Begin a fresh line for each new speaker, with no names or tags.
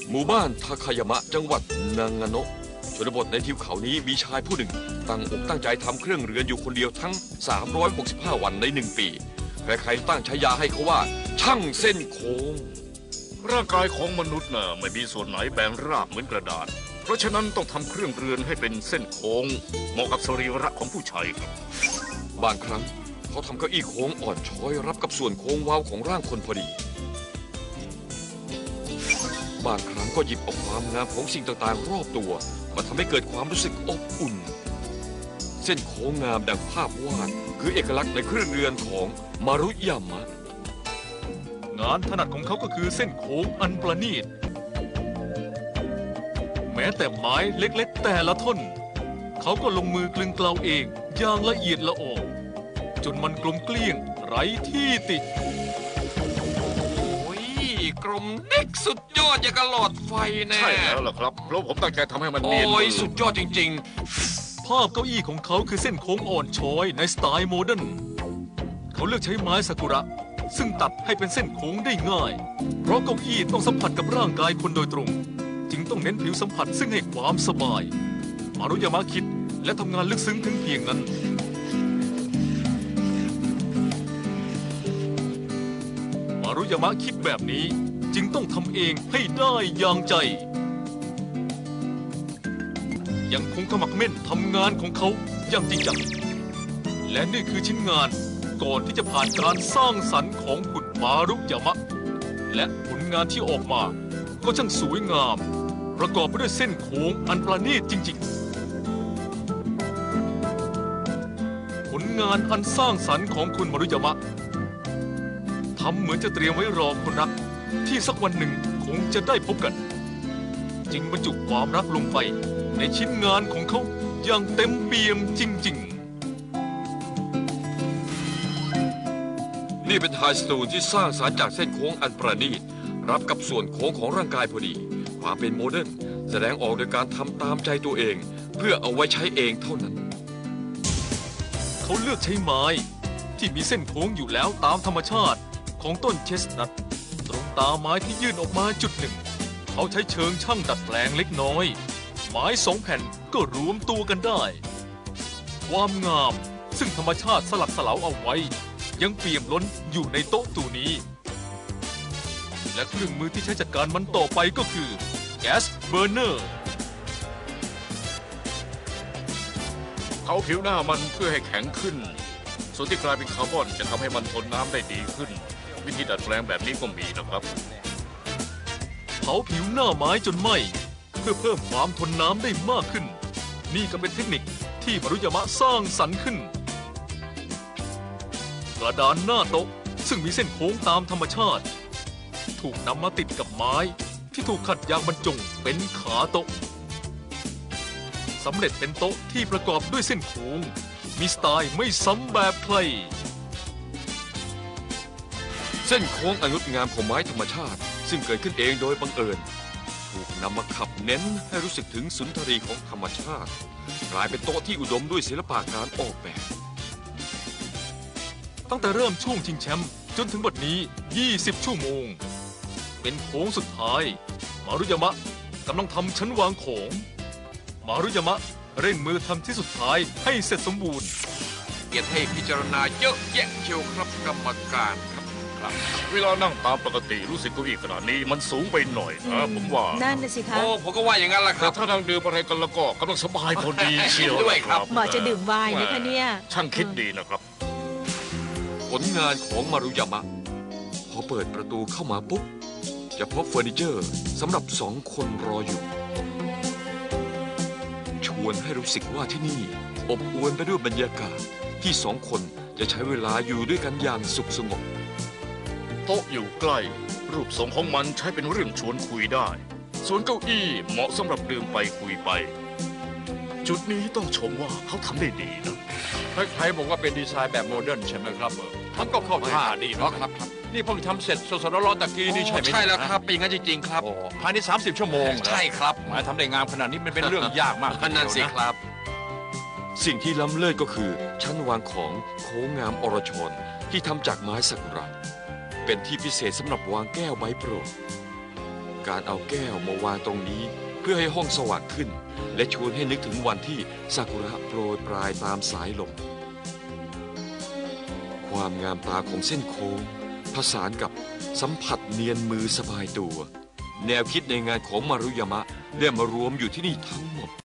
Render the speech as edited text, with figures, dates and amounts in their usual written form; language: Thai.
หมู่บ้านทาคายามะจังหวัดนางาโนะชนบทในทิวเขานี้มีชายผู้หนึ่งตั้งอกตั้งใจทำเครื่องเรือนอยู่คนเดียวทั้ง365วันใน1 ปีใครๆตั้งฉายาให้เขาว่าช่างเส้นโค้ง
ร่างกายของมนุษย์น่ะไม่มีส่วนไหนแบนราบเหมือนกระดาษเพราะฉะนั้นต้องทำเครื่องเรือนให้เป็นเส้นโค้งเหมาะกับสรีระของผู้ชายครับ
บางครั้งเขาทำเก้าอี้โค้งอ่อนช้อยรับกับส่วนโค้งเว้าของร่างคนพอดีบางครั้งก็หยิบเอาความงามของสิ่งต่างๆรอบตัวมาทำให้เกิดความรู้สึกอบอุ่นเส้นโค้งงามดังภาพวาดคือเอกลักษณ์ในเครื่องเรือนของมารุยามะ
งานถนัดของเขาก็คือเส้นโค้งอันประณีตแม้แต่ไม้เล็กๆแต่ละท่อนเขาก็ลงมือกลึงเกลาเองอย่างละเอียดละออจนมันกลมเกลี้ยงไร้ที่ติ
กลมเด็กสุดยอดอย่างกับหลอดไฟแน่
ใช่แล้วล่ะครับเพราะผมตั้งใจทำให้มันเนียน
สุดยอดจริง
ๆภาพเก้าอี้ของเขาคือเส้นโค้งอ่อนช้อยในสไตล์โมเดิร์นเขาเลือกใช้ไม้ซากุระซึ่งตัดให้เป็นเส้นโค้งได้ง่ายเพราะเก้าอี้ต้องสัมผัสกับร่างกายคนโดยตรงจึงต้องเน้นผิวสัมผัสซึ่งให้ความสบายมารุยามะคิดและทำงานลึกซึ้งถึงเพียงนั้นมารุยามะคิดแบบนี้จึงต้องทำเองให้ได้อย่างใจยังคงขมักเม่นทำงานของเขาอย่างจริงจังและนี่คือชิ้นงานก่อนที่จะผ่านการสร้างสรรค์ของคุณมารุยามะและผลงานที่ออกมาก็ช่างสวยงามประกอบไปด้วยเส้นโค้งอันประณีตจริงๆผลงานอันสร้างสรรค์ของคุณมารุยามะทำเหมือนจะเตรียมไว้รอคนรักที่สักวันหนึ่งคงจะได้พบกันจึงบรรจุความรักลงไปในชิ้นงานของเขาอย่างเต็มเปี่ยมจริง
ๆนี่เป็นไฮสตูลที่สร้างสรรค์จากเส้นโค้งอันประณีตรับกับส่วนโค้งของร่างกายพอดีความเป็นโมเดิร์นแสดงออกโดยการทำตามใจตัวเองเพื่อเอาไว้ใช้เองเท่านั้น
เขาเลือกใช้ไม้ที่มีเส้นโค้งอยู่แล้วตามธรรมชาติของต้นเชสนัทตรงตาไม้ที่ยื่นออกมาจุดหนึ่งเขาใช้เชิงช่างดัดแปลงเล็กน้อยไม้2 แผ่นก็รวมตัวกันได้ความงามซึ่งธรรมชาติสลักสลาวเอาไว้ยังเปี่ยมล้นอยู่ในโต๊ะตัวนี้และเครื่องมือที่ใช้จัดการมันต่อไปก็คือแก๊สเบอร์เนอร์
เขาผิวหน้ามันเพื่อให้แข็งขึ้นส่วนที่กลายเป็นคาร์บอนจะทำให้มันทนน้ำได้ดีขึ้นวิธีดัดแปลงแบบนี้ก็มีนะครับ
เผาผิวหน้าไม้จนไหม้เพื่อเพิ่มความทนน้ำได้มากขึ้นนี่ก็เป็นเทคนิคที่มารุยามะสร้างสรรค์ขึ้นกระดานหน้าโต๊ะซึ่งมีเส้นโค้งตามธรรมชาติถูกนำมาติดกับไม้ที่ถูกขัดยางบรรจงเป็นขาโต๊ะสำเร็จเป็นโต๊ะที่ประกอบด้วยเส้นโค้งมีสไตล์ไม่ซ้ำแบบใคร
เส้นโค้งอันงดงามของไม้ธรรมชาติซึ่งเกิดขึ้นเองโดยบังเอิญถูกนำมาขับเน้นให้รู้สึกถึงสุนทรีของธรรมชาติกลายเป็นโต๊ะที่อุดมด้วยศิลปะการออกแบบ
ตั้งแต่เริ่มช่วงชิงแชมป์จนถึงบัดนี้20 ชั่วโมงเป็นโค้งสุดท้ายมารุยามะกำลังทำชั้นวางของมารุยามะเร่งมือทำที่สุดท้ายให้เสร็จสมบูรณ์
เกียรติให้พิจารณาเยอะแยะเชียวครับกรรมการครับ
เวลานั่งตามปกติรู้สึกเก้าอี้ขนาดนี้มันสูงไปหน่อยนะผมว่า
นั่นน่ะสิคะ
ผมก็ว่าอย่างนั้นแหละครับ
ถ้านั่งดื่มอะไรกันแล้วก็กำลังสบายพอดีเชียว
ด้วยครับ
เหมาะจะดื่มไวน์นะคะเนี่ย
ช่างคิดดีนะครับ
ผลงานของมารุยามะพอเปิดประตูเข้ามาปุ๊บจะพบเฟอร์นิเจอร์สำหรับ2 คนรออยู่ชวนให้รู้สึกว่าที่นี่อบอวลไปด้วยบรรยากาศที่2 คนจะใช้เวลาอยู่ด้วยกันอย่างสุขสงบ
โต๊ะอยู่ใกล้รูปทรงของมันใช้เป็นเรื่องชวนคุยได้ส่วนเก้าอี้เหมาะสำหรับดื่มไปคุยไปจุดนี้ต้องชมว่าเขาทำได้ดีนะ
ใครๆบอกว่าเป็นดีไซน์แบบโมเดิร์นใช่ไหมครับมันก็เข้าท่าดีนะครับนี่เพิ่งทำเสร็จสดๆร้อนๆตะกี้นี่ใช่ไหม
ใช่แล้วครับเป็นงั้นจริงๆครับ
ภายใน30 ชั่วโมง
ใช่ครับ
หมายทำได้งามขนาดนี้มันเป็นเรื่องยากมาก
นั่นสิครับสิ่งที่ล้ำเลิศก็คือชั้นวางของโค้งงามอรชรที่ทำจากไม้ซากุระเป็นที่พิเศษสำหรับวางแก้วใบโปรดการเอาแก้วมาวางตรงนี้เพื่อให้ห้องสว่างขึ้น และชวนให้นึกถึงวันที่ซากุระโปรยปลายตามสายลมความงามตาของเส้นโค้งผสานกับสัมผัสเนียนมือสบายตัว แนวคิดในงานของมารุยามะได้มารวมอยู่ที่นี่ทั้งหมด